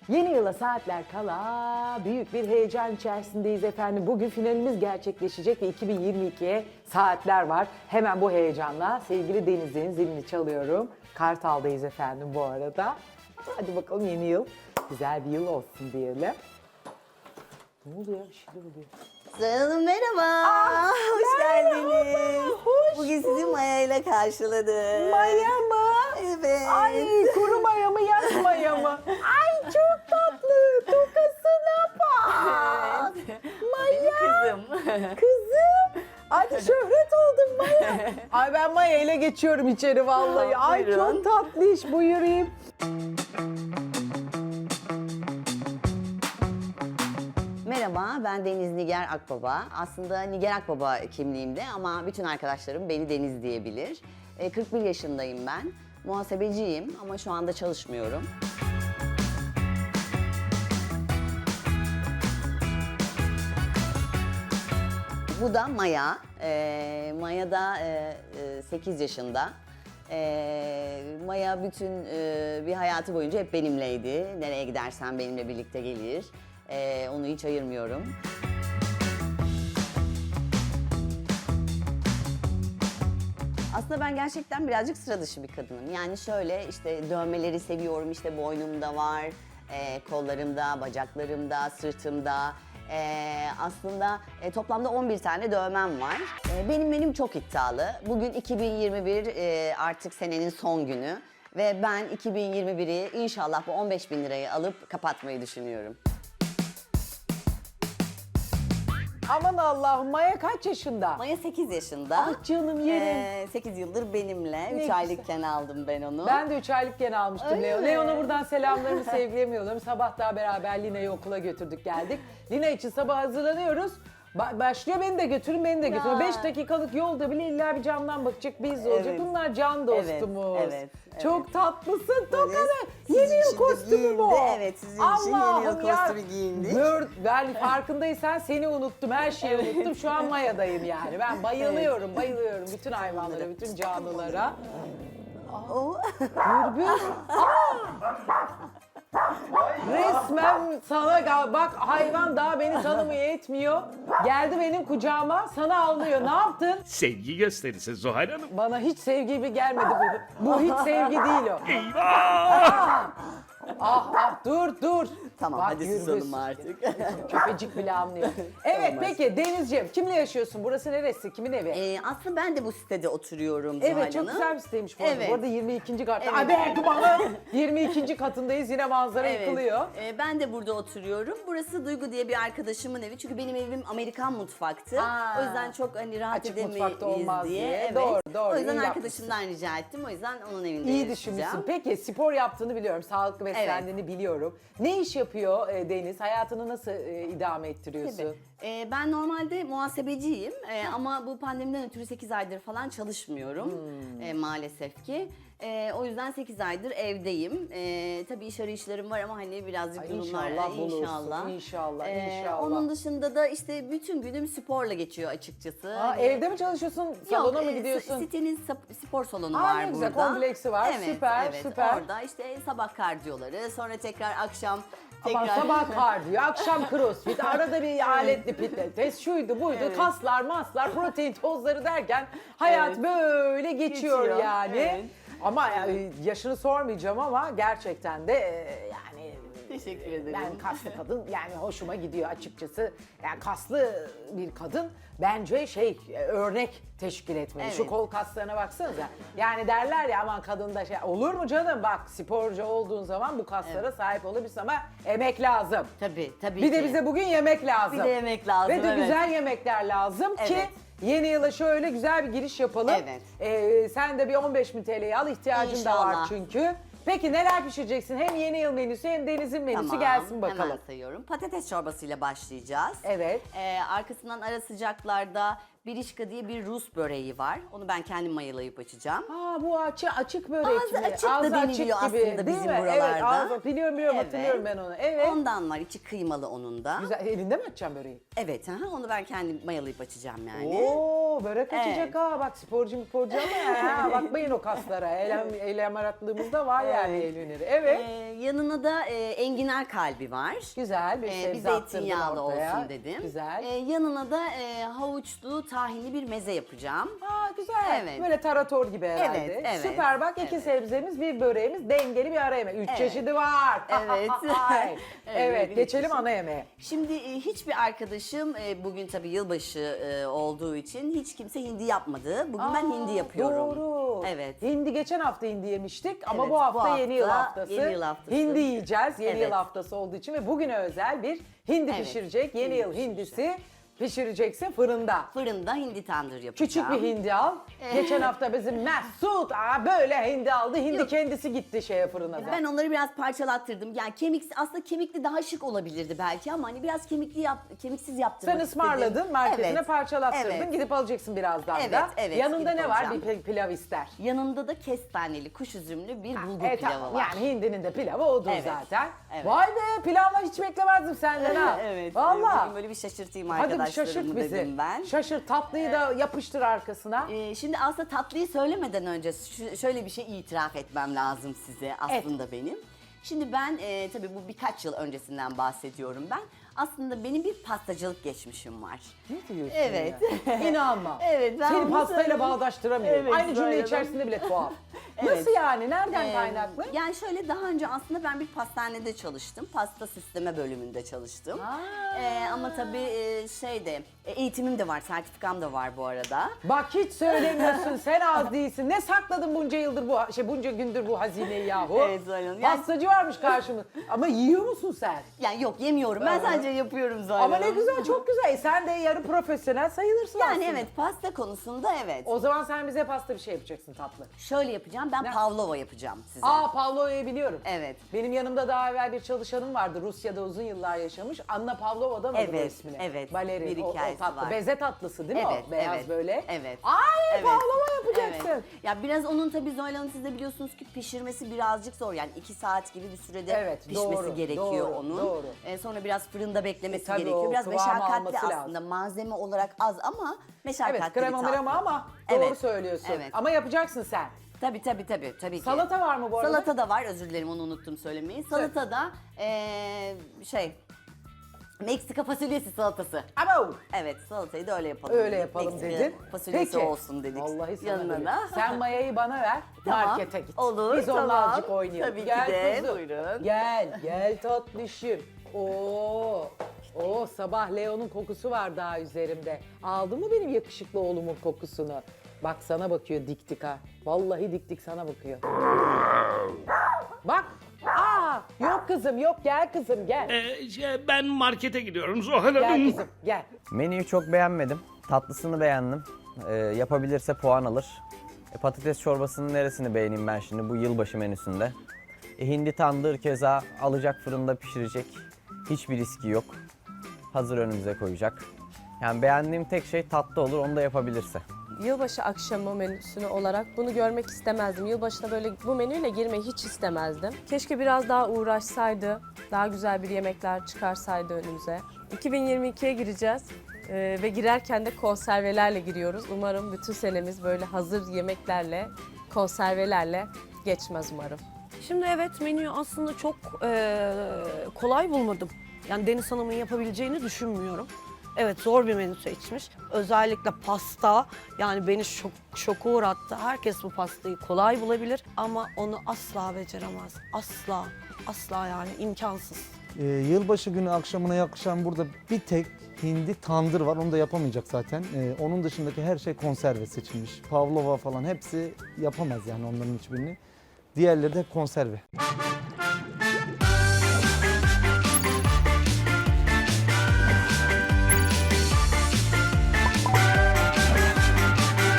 Yeni yıla saatler kala büyük bir heyecan içerisindeyiz efendim. Bugün finalimiz gerçekleşecek ve 2022'ye saatler var. Hemen bu heyecanla sevgili Deniz'in zilini çalıyorum. Kartal'dayız efendim bu arada. Hadi bakalım yeni yıl güzel bir yıl olsun diyelim. Ne oluyor? Bir şeyler oluyor. Zuhal Hanım merhaba. Hoş geldiniz. Bugün sizi Maya ile karşıladım. Maya mı? Evet. Ay kuru maya mı yaz maya mı? Ay çok tatlı. Tokasına bak. Maya. Kızım. Kızım. Hadi şöhret oldum Maya. Ay ben Maya ile geçiyorum içeri vallahi. Ay Buyurun. çok tatlı iş buyurayım. Merhaba, ben Deniz Nigar Akbaba. Aslında Nigar Akbaba kimliğimde ama bütün arkadaşlarım beni Deniz diyebilir. 41 yaşındayım ben. Muhasebeciyim ama şu anda çalışmıyorum. Bu da Maya. Maya da 8 yaşında. Maya bütün bir hayatı boyunca hep benimleydi. Nereye gidersen benimle birlikte gelir. Onu hiç ayırmıyorum. Aslında ben gerçekten birazcık sıra dışı bir kadınım. Yani şöyle işte dövmeleri seviyorum, işte boynumda var, kollarımda, bacaklarımda, sırtımda. Aslında toplamda 11 tane dövmem var. Benim çok iddialı. Bugün 2021 artık senenin son günü. Ve ben 2021'i inşallah bu 15.000 lirayı alıp kapatmayı düşünüyorum. Aman Allah'ım Maya kaç yaşında? Maya 8 yaşında. Ah canım yerim. 8 yıldır benimle. 3 güzel. aylıkken aldım ben onu. Ben de 3 aylıkken almıştım Öyle Leo. mi? Leon'a buradan selamlarımı, sevgilerimi yolluyorum. Sabah daha beraber Lina'yı okula götürdük geldik. Lina için sabah hazırlanıyoruz. Başlıyor beni de götürün, beni de götürün. 5 dakikalık yolda bile illa bir camdan bakacak, biz olacak. Evet. Bunlar can dostumuz. Evet. Çok tatlısın Tokan'ı. sizin Yeni yıl için de kostümü giyindi. bu. Evet, sizin için yeni yıl kostümü giyindik. Ben farkındaysan seni unuttum, her şeyi unuttum. Şu an Maya'dayım yani. Ben bayılıyorum, bayılıyorum bütün hayvanlara, bütün canlılara. O Gürbüz. Resmen sana bak hayvan daha beni tanımıyor etmiyor. Geldi benim kucağıma sana avlıyor. Ne yaptın? Sevgi gösterisi Zuhal Hanım. Bana hiç sevgi gibi gelmedi bu. Bu hiç sevgi değil o. Eyvah! Dur. Tamam Bak, hadi Gürbüz. susalım artık. Köpecik bile anlıyor. Evet Olmaz. peki Denizciğim kimle yaşıyorsun? Burası neresi? Kimin evi? Aslında ben de bu sitede oturuyorum Zuhal Evet çok Hanım. güzel bir siteymiş bu arada. Evet. Bu arada 22. katta. Evet. Hadi kumanı. 22. katındayız yine manzara yıkılıyor. Ben de burada oturuyorum. Burası Duygu diye bir arkadaşımın evi. Çünkü benim evim Amerikan mutfaktı. Aa. O yüzden çok hani rahat Açık edemeyiz mutfakta olmaz diye. Evet. Doğru, O yüzden iyi arkadaşımdan rica ettim. O yüzden onun evinde İyi yaşayacağım. düşünmüşsün. Peki spor yaptığını biliyorum. Sağlıklı beslendiğini biliyorum. Ne iş yapıyor Deniz? Hayatını nasıl idame ettiriyorsun? Tabii. Ben normalde muhasebeciyim ama bu pandemiden ötürü 8 aydır falan çalışmıyorum maalesef ki. O yüzden 8 aydır evdeyim. Tabii iş arayışlarım var ama hani birazcık Ay, durumlar İnşallah bulursun. İnşallah. Onun dışında da işte bütün günüm sporla geçiyor açıkçası. Aa, evde mi çalışıyorsun? Salona mı gidiyorsun? Sitenin spor salonu Aa, var ne güzel, burada. kompleksi var. Süper, süper. Orada işte sabah kardiyoları, sonra tekrar akşam Ama sabah kardiyo, akşam crossfit, arada bir aletli pilates, şuydu buydu, kaslar, maslar, protein tozları derken hayat böyle geçiyor yani. Evet. Ama yaşını sormayacağım ama gerçekten de yani Teşekkür ederim. ben kaslı kadın yani hoşuma gidiyor açıkçası. Yani kaslı bir kadın bence örnek teşkil etmeli. Şu Evet. kol kaslarına baksanıza. Yani derler ya aman kadında olur mu canım bak sporcu olduğun zaman bu kaslara sahip olabilirsin ama emek lazım. Tabii Bir de ki. bize bugün yemek lazım. Bir de yemek lazım, Ve de evet. güzel yemekler lazım ki Evet. yeni yıla şöyle güzel bir giriş yapalım. Evet. Sen de bir 15.000 TL'yi al ihtiyacın da var İnşallah. çünkü. Peki neler pişireceksin? Hem yeni yıl menüsü hem denizin menüsü Tamam, gelsin bakalım. Hemen sayıyorum. Patates çorbasıyla başlayacağız. Evet. Arkasından ara sıcaklarda Birişka diye bir Rus böreği var. Onu ben kendim mayalayıp açacağım. Aa, bu açık börek Ağzı mi? açık da deniliyor aslında değil bizim mi? buralarda. Evet, ağzı, biliyorum Evet. hatırlıyorum ben onu. Evet. Ondan var, içi kıymalı onun da. Güzel. Elinde mi açacaksın böreği? Evet, onu ben kendim mayalayıp açacağım yani. Oo, börek açacak Evet. ha. Bak sporcu ama ya. Bakmayın o kaslara. Eylem aratlığımızda var yani el hüneri. Evet. Yanına da enginar kalbi var. Güzel bir Bir sebze attırdın zeytinyağlı ortaya. olsun dedim. Güzel. Yanına da havuçlu tahinli bir meze yapacağım. Aa, güzel. Evet. Böyle tarator gibi herhalde. Evet, evet, Süper bak, iki evet. sebzemiz, bir böreğimiz, dengeli bir ara yemek. 3 Evet. çeşidi var. Evet. Evet, Evet, geçelim bir ana yemeğe. Şimdi hiçbir arkadaşım bugün tabii yılbaşı olduğu için hiç kimse hindi yapmadı. Bugün ben hindi yapıyorum. Doğru. Evet. Hindi geçen hafta hindi yemiştik ama Evet, bu hafta, bu yeni yıl hafta haftası. yeni yıl haftası. Hindi yiyeceğiz yeni yıl Evet. haftası olduğu için ve bugüne özel bir hindi Evet, pişirecek. Yeni hindi yıl hindisi pişireceksin fırında. Fırında hindi tandır yapacağım. Küçük bir hindi al. Geçen hafta bizim Mesut böyle hindi aldı. Hindi Yok. kendisi gitti fırına da. Ben onları biraz parçalattırdım. Yani aslında kemikli daha şık olabilirdi belki ama hani biraz kemiksiz yaptırmak Sen istedim. ısmarladın, marketine Evet, parçalattırdın. evet. Gidip alacaksın birazdan Evet, da. evet, Yanında gidip ne var? alacağım. Bir pilav ister. Yanında da kestaneli, kuş üzümlü bir bulgur Evet, pilavı var. yani hindinin de pilavı odur Evet, zaten. evet. Vay be, pilavla hiç beklemezdim senden ha. Evet. Valla. Bugün böyle bir şaşırtayım Hadi bir arkadaşlarımı şaşırt bizi. dedim ben. Şaşırt, tatlıyı da yapıştır arkasına. Şimdi aslında tatlıyı söylemeden önce şöyle bir şey itiraf etmem lazım size aslında benim. Şimdi ben tabii bu birkaç yıl öncesinden bahsediyorum ben. Aslında benim bir pastacılık geçmişim var. Ne diyorsun Evet. ya? İnanma. Evet, ben Seni bunu pastayla söyleyeyim. bağdaştıramıyorum. Evet, Aynı cümle söyledim. içerisinde bile tuhaf. Evet. Nasıl yani? Nereden kaynaklı? Yani şöyle daha önce aslında ben bir pastanede çalıştım. Pasta süsleme bölümünde çalıştım. Ama tabii eğitimim de var, sertifikam da var bu arada. Bak hiç söylemiyorsun, sen az değilsin. Ne sakladın bunca yıldır bunca gündür bu hazineyi yahu? Evet, Zuhal Hanım. Yani- Pastacı varmış karşımızda. Ama yiyor musun sen? Yani yok yemiyorum. Ben sadece yapıyorum zaten. Ama ne güzel, çok güzel. Sen de yarı profesyonel sayılırsın Yani aslında. evet, pasta konusunda evet. O zaman sen bize pasta bir şey yapacaksın tatlı. Şöyle yapacağım, ben Ne? pavlova yapacağım size. Aa, Pavlova'yı biliyorum. Evet. Benim yanımda daha evvel bir çalışanım vardı. Rusya'da uzun yıllar yaşamış. Anna Pavlova'dan aldı bu Evet, ismini. evet. Balerin, Bir o hikayesi tatlı. var. Beze tatlısı değil mi Evet, o? Beyaz evet, böyle. evet. Ay, Evet. Pavlova yapacaksın. Evet. Ya biraz onun tabii Zuhal Hanım, siz de biliyorsunuz ki pişirmesi birazcık zor. Yani 2 saat gibi bir sürede Evet, pişmesi doğru, gerekiyor doğru, onun. doğru. Sonra biraz fırında beklemesi tabii gerekiyor. o Biraz kıvamı meşakkatli alması aslında. lazım. Malzeme olarak az ama meşakkatli Evet, bir krema tatlı. mrema ama doğru Evet, söylüyorsun. evet. Ama yapacaksın sen. Tabii ki. Salata var mı bu arada? Salata da var, özür dilerim onu unuttum söylemeyi. Salata da Meksika fasulyesi salatası. Abo! Evet, salatayı da öyle yapalım. Öyle dedik. yapalım Meksika dedin. fasulyesi olsun dedik. Vallahi sana yanına böyle. da. Sen mayayı bana ver, Tamam, markete git. olur, Biz onunla tamam. azıcık oynayalım. Tabii ki Gel de, kuzum. buyurun. Gel tatlışım. Oo, sabah Leo'nun kokusu var daha üzerimde. Aldın mı benim yakışıklı oğlumun kokusunu? Bak sana bakıyor dik dik ha. Vallahi dik dik sana bakıyor. Bak. Yok kızım yok, gel kızım gel. Ben markete gidiyorum Zuhal Gel Hanım. kızım gel. Menüyü çok beğenmedim. Tatlısını beğendim. Yapabilirse puan alır. Patates çorbasının neresini beğeneyim ben şimdi bu yılbaşı menüsünde? Hindi tandır keza alacak, fırında pişirecek. Hiçbir riski yok. Hazır önümüze koyacak. Yani beğendiğim tek şey tatlı olur, onu da yapabilirse. Yılbaşı akşamı menüsünü olarak bunu görmek istemezdim. Yılbaşına böyle bu menüyle girmeyi hiç istemezdim. Keşke biraz daha uğraşsaydı, daha güzel bir yemekler çıkarsaydı önümüze. 2022'ye gireceğiz ve girerken de konservelerle giriyoruz. Umarım bütün senemiz böyle hazır yemeklerle, konservelerle geçmez umarım. Şimdi evet, menüyü aslında çok kolay bulmadım. Yani Deniz Hanım'ın yapabileceğini düşünmüyorum. Evet, zor bir menü seçmiş. Özellikle pasta yani beni şoka uğrattı. Herkes bu pastayı kolay bulabilir ama onu asla beceremez. Asla yani imkansız. Yılbaşı günü akşamına yakışan burada bir tek hindi tandır var. Onu da yapamayacak zaten. Onun dışındaki her şey konserve seçilmiş. Pavlova falan hepsi yapamaz yani onların hiçbirini. Diğerleri de hep konserve.